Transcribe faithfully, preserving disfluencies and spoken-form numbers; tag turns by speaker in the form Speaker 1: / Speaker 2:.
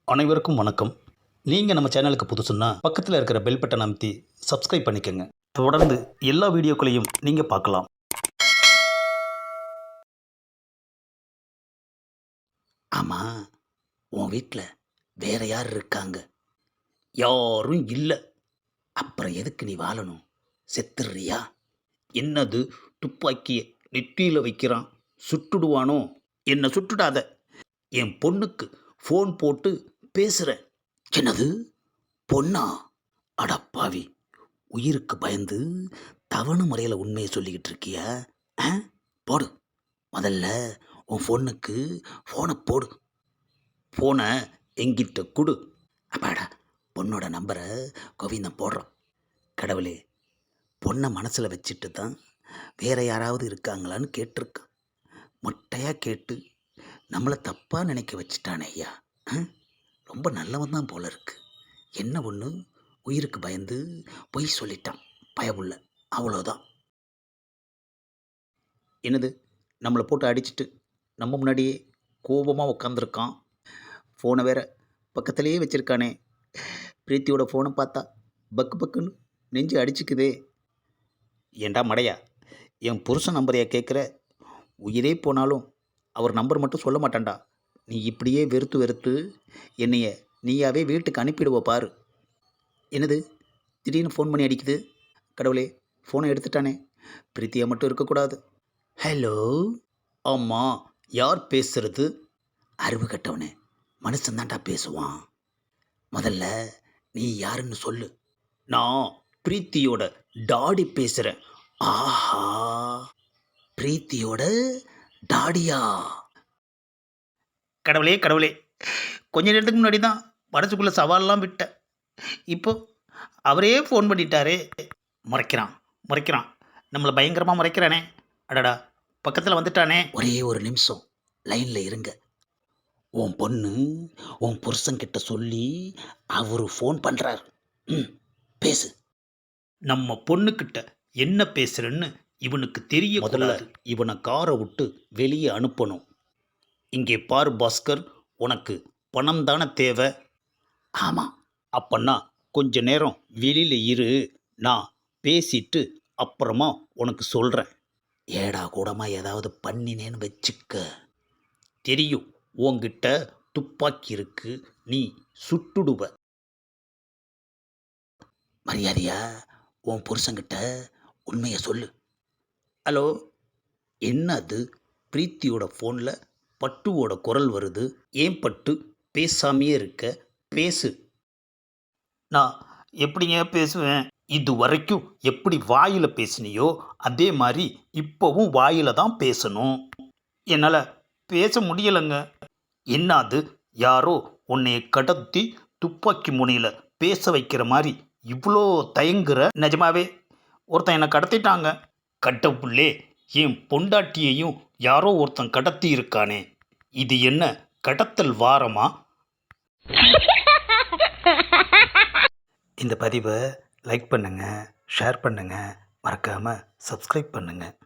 Speaker 1: அனைவருக்கும் வணக்கம். நீங்கள் நம்ம சேனலுக்கு புதுசுன்னா பக்கத்தில் இருக்கிற பெல் பட்டனை அமைத்தி சப்ஸ்கிரைப் பண்ணிக்கோங்க. தொடர்ந்து எல்லா வீடியோக்களையும் நீங்கள் பார்க்கலாம்.
Speaker 2: ஆமாம், உன் வீட்டில் வேற யார் இருக்காங்க? யாரும் இல்லை. அப்புறம் எதுக்கு நீ வாழணும்? செத்துடுறியா? என்னது, துப்பாக்கியை நெற்றியில் வைக்கிறான், சுட்டுடுவானோ? என்னை சுட்டுடாத. என் பொண்ணுக்கு ஃபோன் போட்டு பேசுகிறேன். என்னது, பொண்ணா? அடப்பாவி, உயிருக்கு பயந்து தவணை முறையில் உண்மையை சொல்லிக்கிட்டு இருக்கியா? ஆ, போடு. முதல்ல உன் ஃபோனுக்கு ஃபோனை போடு. ஃபோனை எங்கிட்ட கொடு. அப்பாடா, பொண்ணோட நம்பரை கோவிந்தன் போடுறான். கடவுளே, பொண்ணை மனசில் வச்சுட்டு தான் வேற யாராவது இருக்காங்களான்னு கேட்டிருக்கான். மொட்டையாக கேட்டு நம்மளை தப்பாக நினைக்க வச்சுட்டானே ஐயா. ஆ, ரொம்ப நல்லவன் தான் போல இருக்கு. என்ன ஒன்று, உயிருக்கு பயந்து பொய் சொல்லிட்டான் பயமுள்ள, அவ்வளோதான்.
Speaker 1: என்னது, நம்மளை போட்டு அடிச்சிட்டு நம்ம முன்னாடியே கோபமாக உட்காந்துருக்கான். ஃபோனை வேற பக்கத்துலேயே வச்சுருக்கானே. பிரீத்தியோட ஃபோனை பார்த்தா பக்கு பக்குன்னு நெஞ்சு அடிச்சுக்குதே. ஏண்டா மடையா, என் புருஷன் நம்பரையா கேட்குற? உயிரே போனாலும் அவர் நம்பர் மட்டும் சொல்ல மாட்டான்டா. நீ இப்படியே வெறுத்து வெறுத்து என்னைய நீயாவே வீட்டுக்கு அனுப்பிடுவ பாரு. என்னது, திடீர்னு ஃபோன் பண்ணி அடிக்குது. கடவுளே, ஃபோனை எடுத்துட்டானே. பிரீத்தியா மட்டும் இருக்கக்கூடாது.
Speaker 2: ஹலோ.
Speaker 1: ஆமாம், யார் பேசுறது?
Speaker 2: அறிவு கட்டவனே, மனுஷன்தான்டா பேசுவான். முதல்ல நீ யாருன்னு சொல்லு.
Speaker 1: நான் பிரீத்தியோட டாடி பேசுகிறேன்.
Speaker 2: ஆஹா, பிரீத்தியோட டாடியா?
Speaker 1: கடவுளே கடவுளே, கொஞ்ச நேரத்துக்கு முன்னாடி தான் மனசுக்குள்ளே சவாலெலாம் விட்டேன். இப்போ அவரே ஃபோன் பண்ணிட்டாரே. முறைக்கிறான் முறைக்கிறான், நம்மளை பயங்கரமாக முறைக்கிறானே. அடடா, பக்கத்தில் வந்துட்டானே.
Speaker 2: ஒரே ஒரு நிமிஷம் லைனில் இருங்க. உன் பொண்ணு உன் புருஷன்கிட்ட சொல்லி அவரு ஃபோன் பண்ணுறார். ம், பேசு.
Speaker 1: நம்ம பொண்ணுக்கிட்ட என்ன பேசுகிறேன்னு இவனுக்கு தெரிய முதல்ல இவனை காரை விட்டு வெளியே அனுப்பணும். இங்கே பார் பாஸ்கர், உனக்கு பணம் தானே தேவை?
Speaker 2: ஆமாம்.
Speaker 1: அப்பன்னா கொஞ்ச நேரம் வெளியில் இரு, நான் பேசிட்டு அப்புறமா உனக்கு சொல்கிறேன்.
Speaker 2: ஏடா கூடமாக ஏதாவது பண்ணினேன்னு வச்சுக்க.
Speaker 1: தெரியும், உன்கிட்ட துப்பாக்கி இருக்கு, நீ சுட்டுடுவ.
Speaker 2: மரியாதையா உன் புருஷன்கிட்ட உண்மையை சொல்லு.
Speaker 1: ஹலோ, என்னது? பிரீத்தியோட ஃபோனில் பட்டுவோட குரல் வருது. ஏன் பட்டு பேசாமையே இருக்க? பேசு. நான் எப்படிங்க பேசுவேன்? இது வரைக்கும் எப்படி வாயில் பேசினியோ அதே மாதிரி இப்போவும் வாயில் தான் பேசணும். என்னால் பேச முடியலைங்க. என்னது, யாரோ உன்னைய கடத்தி துப்பாக்கி முனையில் பேச வைக்கிற மாதிரி இவ்வளோ தயங்குற? நிஜமாவே ஒருத்தன் என்னை கடத்திட்டாங்க. கடவுளே, என் பொண்டாட்டியையும் யாரோ ஒருத்தன் கடத்தி இருக்கானே. இது என்ன கடத்தல் வாரமா?
Speaker 2: இந்த பதிவை லைக் பண்ணுங்கள், ஷேர் பண்ணுங்கள், மறக்காமல் சப்ஸ்கிரைப் பண்ணுங்கள்.